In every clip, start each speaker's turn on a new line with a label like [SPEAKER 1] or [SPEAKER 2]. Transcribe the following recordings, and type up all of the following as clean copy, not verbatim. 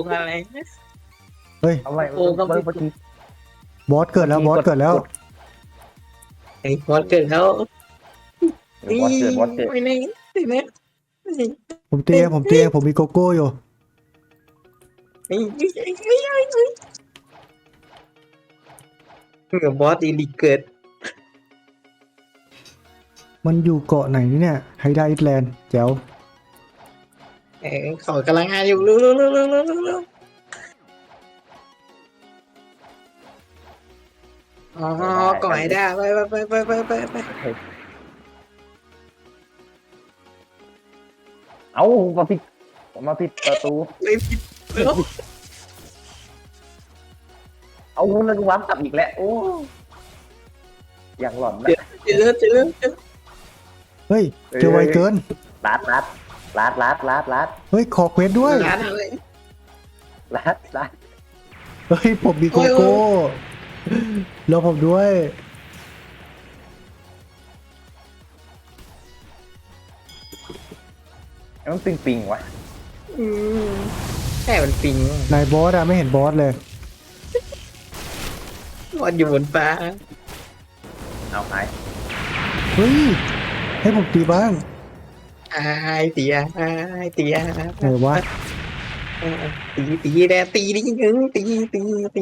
[SPEAKER 1] อะไร
[SPEAKER 2] เฮ้ย
[SPEAKER 3] เอาไว้
[SPEAKER 1] โอ้ก็ไม่
[SPEAKER 3] เมื่อกี้
[SPEAKER 2] บอสเกิดแล้วบอสเกิดแล้ว
[SPEAKER 1] ไอ้บอสเกิดแล้ว
[SPEAKER 3] วอดเกิดวอดเกิด
[SPEAKER 1] ไม่แน่ไม่แน่
[SPEAKER 2] ผมเตียงผมมีโกโก้อยู่
[SPEAKER 1] ไอ้เหมือนบอสอีลิเกิด
[SPEAKER 2] มันอยู่เกาะไหนเนี่ยไฮไดอิสแลนด์แจ๋ว
[SPEAKER 1] เขากำลังงานอยู่เร็วอ๋อก่อยได้ไป
[SPEAKER 3] เอามาผิดประตู
[SPEAKER 1] ไม่ผิดแล้ว
[SPEAKER 3] เอาแล้วกูวาร์ปกลับอีกแล้วโอ้อย่างหลอนนะ
[SPEAKER 1] เจอ
[SPEAKER 2] เฮ้ยเจอไวเกิน
[SPEAKER 3] ลัด
[SPEAKER 2] เฮ้ยขอเควสด้วย
[SPEAKER 1] ร้านอะไร
[SPEAKER 3] ลัด
[SPEAKER 2] เฮ้ยผมมีโกโก้แล้วผมด้วย
[SPEAKER 3] มันปิงวะ
[SPEAKER 1] แค่มันปิง
[SPEAKER 2] นายบอสอะไม่เห็นบอสเลย
[SPEAKER 1] บอสอยู่บนฟ้า
[SPEAKER 3] เอาหาย
[SPEAKER 2] เฮ้ยให้ผมตีบ้าง
[SPEAKER 1] ไอ้เตี๋ย
[SPEAKER 2] เออวะ
[SPEAKER 1] ตีแดตีดิยึงตีตี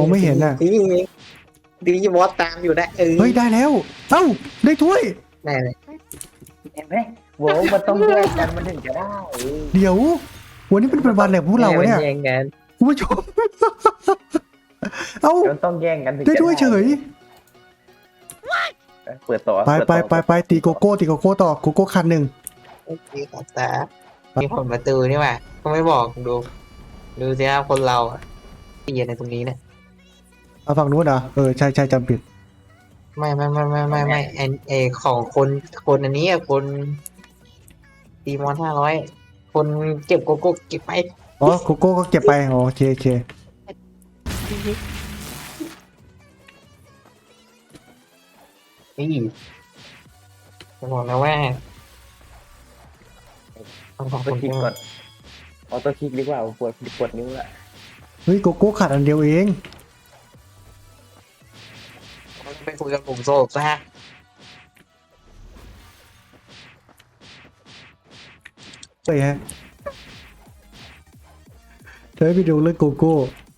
[SPEAKER 1] บอสตามอยู่ได้
[SPEAKER 2] เฮ้ยได้แล้วเอ้าได้ถ้วย
[SPEAKER 1] ได้เลย
[SPEAKER 3] เห็นไหมโว้มันต้องแยกกันมันถึงจะได้
[SPEAKER 2] เดี๋ยววันนี้เป็นวันแหละพวกเราเนี่ย
[SPEAKER 1] แย่งกัน
[SPEAKER 2] คุณผู้ชม เอ้า
[SPEAKER 3] มันต้องแย่งกันถึง
[SPEAKER 2] ได้
[SPEAKER 3] จะ
[SPEAKER 2] ถ้วยเฉย
[SPEAKER 3] เปิดต่อ
[SPEAKER 2] ไปตีโกโก้ต่อโกโก้คันหนึ่ง
[SPEAKER 1] ตีขอบตามีผลประตูนี่ว่ะก็ไม่บอกดูสิครับคนเราตีในตรงนี้เนี่ย
[SPEAKER 2] เอาฝั่งนู้นเหรอใช่จำผิด
[SPEAKER 1] ไม่ไอของคนอันนี้คนตีมอน500คนเก็บโกโก้เก็บไป
[SPEAKER 2] อ๋อโกโก้ก็เก็บไปอ๋อโอเค
[SPEAKER 1] นี่จะบอกนะว่าต้องขอบ
[SPEAKER 3] ต้
[SPEAKER 1] คุ
[SPEAKER 3] อง
[SPEAKER 1] ณ
[SPEAKER 3] คลิกก่อนออโต้คลิกดีกว่าปวดนิ้วละ
[SPEAKER 2] เฮ้ยโกโก้ขาดอันเดียวเอง
[SPEAKER 1] ไปคุยกับผมโซกซะ
[SPEAKER 2] เฮ้ยฮะเธอไปดูเรื่องโกโก้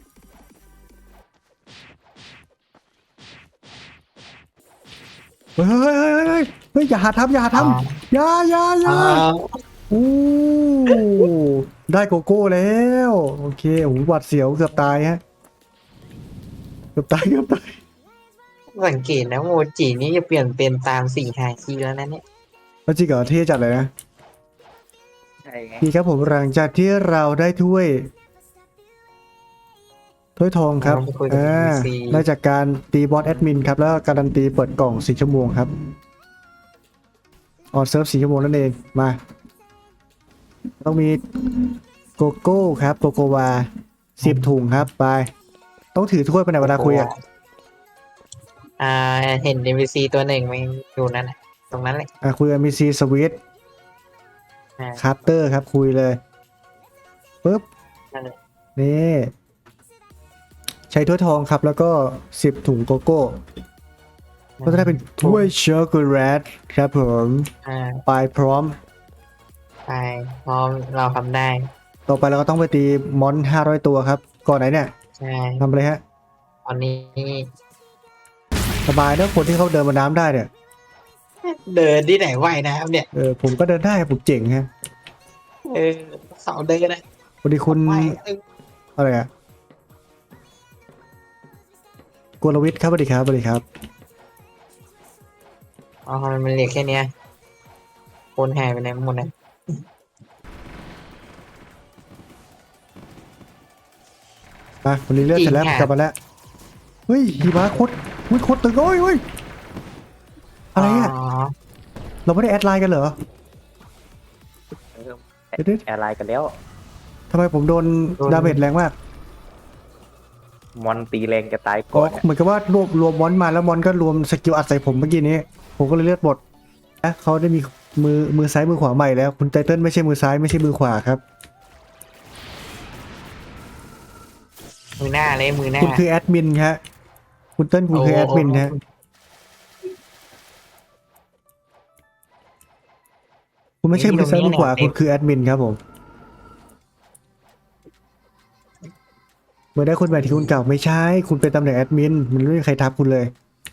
[SPEAKER 2] เฮ้ยอย่าหาทำอย่าโอ้ได้โกโก้แล้วโอเคโอ้โหหวัดเสียวเกือบตายฮะเกือบตาย
[SPEAKER 1] สังเกตนะโมจินี่จะเปลี่ยนเป็นตาม4 ฮาคิแล้วนะเนี่ย
[SPEAKER 2] แล้วจริงเหรอเท่จัดเลยนะ
[SPEAKER 3] ใช่ไง
[SPEAKER 2] ดีครับผมหลังจากที่เราได้ถ้วยทองครับได้จากการตีบอสแอดมินครับแล้วการันตีเปิดกล่อง4 ชั่วโมงครับออนเซิร์ฟ4 ชั่วโมงนั่นเองมาต้องมีโกโก้ครับโกโกวา10 ถุงครับไปต้องถือถ้วยไปไหนเวลาคุยอ่ะ
[SPEAKER 1] เห็น NPC ตัวหนึ่งมันอยู่นั่นน่ะตรงนั้นแหละ
[SPEAKER 2] คุยกับมีซีสวิตคาร์เตอร์ครับคุยเลยปึ๊บ
[SPEAKER 1] นั่นแหละ
[SPEAKER 2] นี่ใช้ถ้วยทองครับแล้วก็10 ถุงโกโก้ก็จะได้เป็นถ้วยช็อกโกแลตครับผมไปพร้อม
[SPEAKER 1] ไปพร้อมเราทำได้
[SPEAKER 2] ต่อไปเราก็ต้องไปตีมอน500 ตัวครับก่อนไหนเนี่ย
[SPEAKER 1] ใช่
[SPEAKER 2] ทำอะไรฮะ
[SPEAKER 1] ตอนนี้
[SPEAKER 2] สบายนะคนที่เขาเดินบนน้ำได้เนี่ย
[SPEAKER 1] เดินที่ไหนไหวนะครับเนี่ย
[SPEAKER 2] ผมก็เดินได้ผมเจ๋งฮะ
[SPEAKER 1] เขาเดินนะ
[SPEAKER 2] พอดีคุณ
[SPEAKER 1] ไหว
[SPEAKER 2] อะไรอะกลวิทย์ครับสวัสดีครับ
[SPEAKER 1] อ๋อมันเหลือแค่เนี้ยคนหายไปไหนหมดนะ
[SPEAKER 2] มาคนนี้เลือดเสร็จแล้วกลับมาแล้วเฮ้ยหิมะโคตรตึงโอ้ยอะไรอ่ะเราไม่ได้แอดไลน์กันเหรอเดี๋ยว
[SPEAKER 3] แอร์ไลน์กันแล้ว
[SPEAKER 2] ทำไมผมโดนดาเมจแรงมาก
[SPEAKER 3] มอนตีแรงจะตาย
[SPEAKER 2] ก็
[SPEAKER 3] ก่อน
[SPEAKER 2] เหมือนกับว่ารวมมอนมาแล้วมอนก็รวมสกิลอัดใส่ผมเมื่อกี้นี้ผมก็เลยเลือดหมดเขาได้มีมือซ้ายมือขวาใหม่แล้วคุณไตเติ้ลไม่ใช่มือซ้ายไม่ใช่มือขวาครับ
[SPEAKER 1] มือหน้าเลยมือหน้า
[SPEAKER 2] คุณคือแอดมินฮะคุณเติ้ลคุณคือแอดมินฮะคุณไม่ใช่มือซ้ายมือขวาคุณคือแอดมินครับผมเมื่อได้คุณแบบที่คุณเก่าไม่ใช่คุณเป็นตำแหน่งแอดมินมันไม่มีใครทับคุณเลย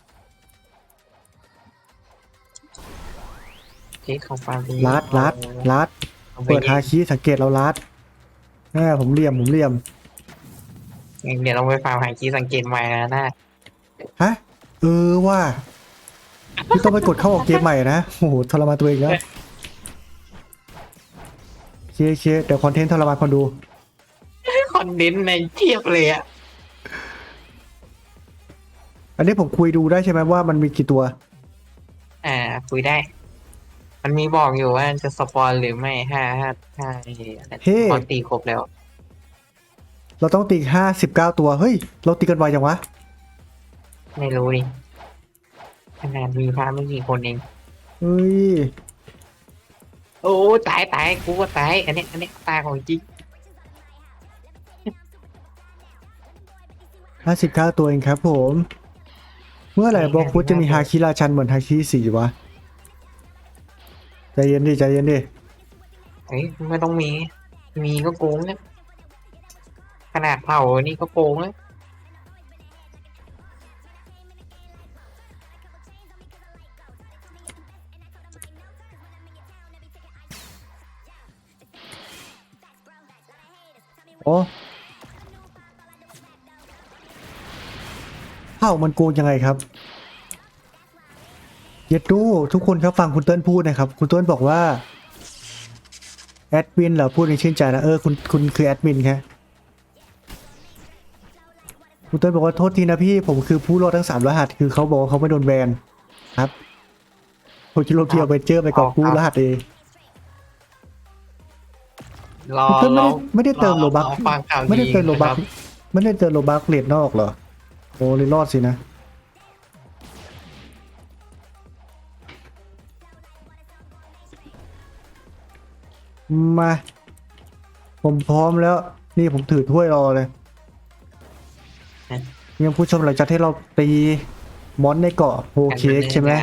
[SPEAKER 1] เค้กของฟาร์ม
[SPEAKER 2] ลัดเปิดฮาคิสังเกตเราลัดผมเหลี่ยม
[SPEAKER 1] เดี๋ยวเราไปฟาร์มหาคีย์สังเกตใหม่นะน่า
[SPEAKER 2] ฮะว่าพี่ต้องไปกดเข้าออกเกมใหม่นะโอ้โหทรมานตัวเองแล้วเคเดี๋ยวคอนเทนต์ทรมานคนดู
[SPEAKER 1] คอนเทนต์ในเทียบเลยอ่ะ
[SPEAKER 2] อันนี้ผมคุยดูได้ใช่ไหมว่ามันมีกี่ตัว
[SPEAKER 1] คุยได้ มันมีบอกอยู่ว่าจะสปอนหรือไม่ถ้า
[SPEAKER 2] เฮ้
[SPEAKER 1] พอตีครบแล้ว
[SPEAKER 2] เราต้องตี59 ตัวเฮ้ยเราตีกันไวจังวะ
[SPEAKER 1] ไม่รู้ดิขนาดมีพาไม่กี่คนเอง
[SPEAKER 2] เฮ้ย
[SPEAKER 1] โอ้ตายกูก็ตายอันนี้ตายของจริง
[SPEAKER 2] 59 ตัวเองครับผมเมื่อไหร่บล็อกฟุตจะมีฮาคิราชันเหมือนฮาคิ4วะใจเย็นดิ
[SPEAKER 1] เฮ้ยไม่ต้องมีก็โกงนะขนาดเผานี่ก็โกงนะ
[SPEAKER 2] โอ้เผ่ามันโกงยังไงครับเย็ดดูทุกคนครับฟังคุณเติ้ลพูดนะครับคุณเติ้ลบอกว่าแอดมินเหรอพูดในชื่นใจนะคุณคือแอดมินครับคุณเติ้ลบอกว่าโทษทีนะพี่ผมคือผู้รอดทั้ง3รหัสคือเขาบอกว่าเขาไม่โดนแบนครับผมคิดลบเที่ยวไปเจอไปกอบกู้รหัสเอง คุณเติ้ลไม่ได้เติมโลบัค
[SPEAKER 1] ฟังข่าว
[SPEAKER 2] ไม่ได้เติมโลบัค
[SPEAKER 1] ครับ
[SPEAKER 2] ไม่ได้เติมโลบัคเลดนอกเหรอโอ้เลยรอดสินะมาผมพร้อมแล้วนี่ผมถือถ้วยรอเลยยังผู้ชมหลังจากที่เราตีมอนในเกาะโฮเค้กใช่ไหม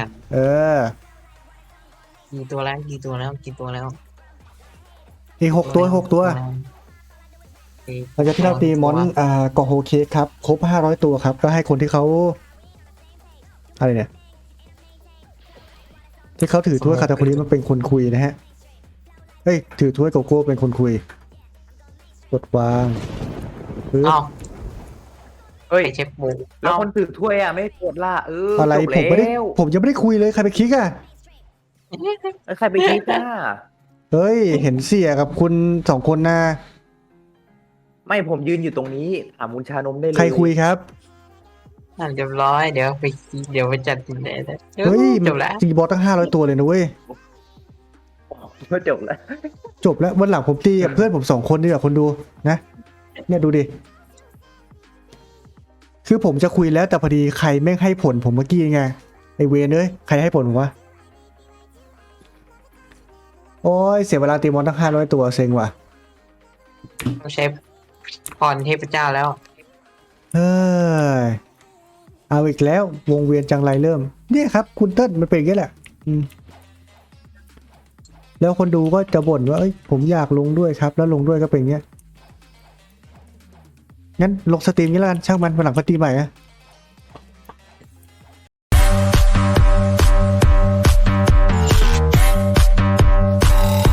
[SPEAKER 1] กี่ตัวแล้ว
[SPEAKER 2] อีก6 ตัวหลังจากที่เราตีมอนเกาะโฮเค้กครับครบ500 ตัวครับก็ให้คนที่เขาอะไรเนี่ยที่เขาถือถ้วยคาตาคุริมันเป็นคนคุยนะฮะเฮ้ยถือถ้วยโกโก้เป็นคนคุยกดวางปึ๊บ
[SPEAKER 1] อ้าว
[SPEAKER 3] เฮ้ย
[SPEAKER 1] ไอเชฟบู
[SPEAKER 3] แล้วคนถือถ้วยอ่ะไม่กดล่ะ
[SPEAKER 2] อะไร
[SPEAKER 3] จบ
[SPEAKER 2] ผมยังไม่ได้คุยเลยใครไปคลิกอ่ะ
[SPEAKER 3] แล้วใครไปคิดอ่ะ
[SPEAKER 2] เฮ้ยเห็นเสียกับคุณ2 คนนะ
[SPEAKER 3] ไม่ผมยืนอยู่ตรงนี้ถามคุณชานมได้เลย
[SPEAKER 2] ใครคุยครับ
[SPEAKER 1] เรียบร้อยเดี๋ยวไปจัดเลย
[SPEAKER 2] เฮ้ย
[SPEAKER 1] จบแล้ว
[SPEAKER 2] ตีบอสตั้ง500 ตัวเลยนะเว้ย
[SPEAKER 3] ก็จบแล้ว
[SPEAKER 2] จบแล้ววันหลังผมตีกับเพื่อนผม2 คนนี่แหละคนดูนะเนี่ยดูดิคือผมจะคุยแล้วแต่พอดีใครแม่งให้ผลผมเมื่อกี้ไงไอเวนใครให้ผลผมวะโอ้ยเสียเวลาตีมอนตั้ง500 ตัวเซ็งว่ะ
[SPEAKER 1] ต้องใช้พรเทพเจ้าแล้ว
[SPEAKER 2] เฮ้ยเอาอีกแล้ววงเวียนจังไรเริ่มเนี่ยครับคุณเติ้ลมันเป็นอย่างนี้แหละแล้วคนดูก็จะบ่นว่าเอ้ยผมอยากลงด้วยครับแล้วลงด้วยก็เป็นอย่างเงี้ยงั้นลงสตรีมนี้แล้วกันช่างมันวันหลังก็ตีใหม่นะ